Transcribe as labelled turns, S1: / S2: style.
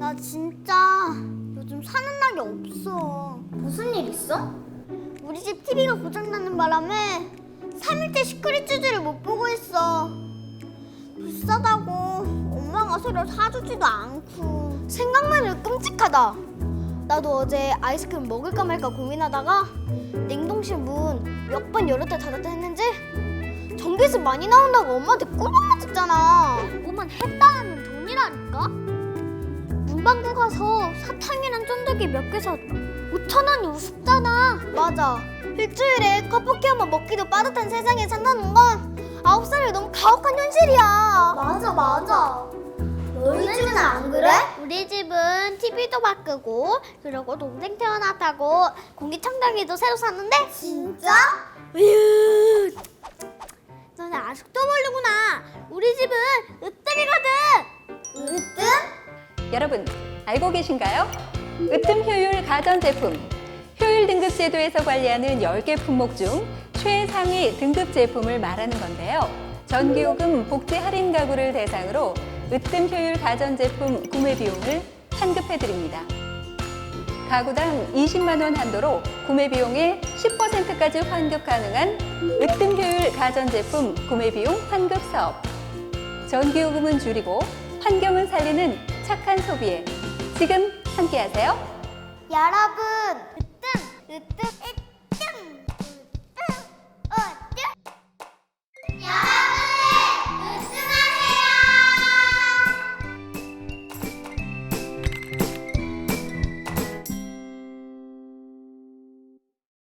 S1: 나 진짜 요즘 사는 날이 없어. 무슨 일 있어? 우리 집 TV가 고장나는 바람에 3일째 시크릿 주제를 못 보고 있어. 비싸다고 엄마가 새로 사주지도 않고. 생각만 해도 끔찍하다. 나도 어제 아이스크림 먹을까 말까 고민하다가 냉동실 문 몇 번 열었다 닫았다 했는지 전기세 많이 나온다고 엄마한테 꿀밤 맞았잖아. 뭐만 했다 하면 돈이라니까? 문방구 가서 사탕이랑 쫀득이 몇 개 사 5,000원이 우습잖아. 맞아. 일주일에 커피 한 번 먹기도 빠듯한 세상에 산다는 건 9살이 너무 가혹한 현실이야. 맞아. 너희 집은 안 그래? 우리 집은 TV도 바꾸고 그리고 동생 태어났다고 공기청정기도 새로 샀는데. 진짜? 으유. 너는 아직도 모르구나. 우리 집은 으뜸이거든. 으뜸?
S2: 여러분, 알고 계신가요? 으뜸 효율 가전제품. 효율 등급 제도에서 관리하는 10개 품목 중 최상위 등급 제품을 말하는 건데요. 전기요금 복지 할인 가구를 대상으로 으뜸 효율 가전제품 구매 비용을 환급해드립니다. 가구당 20만 원 한도로 구매 비용의 10%까지 환급 가능한 으뜸 효율 가전제품 구매 비용 환급 사업. 전기요금은 줄이고 환경은 살리는 착한 소비에 지금 함께하세요.
S1: 여러분, 으뜸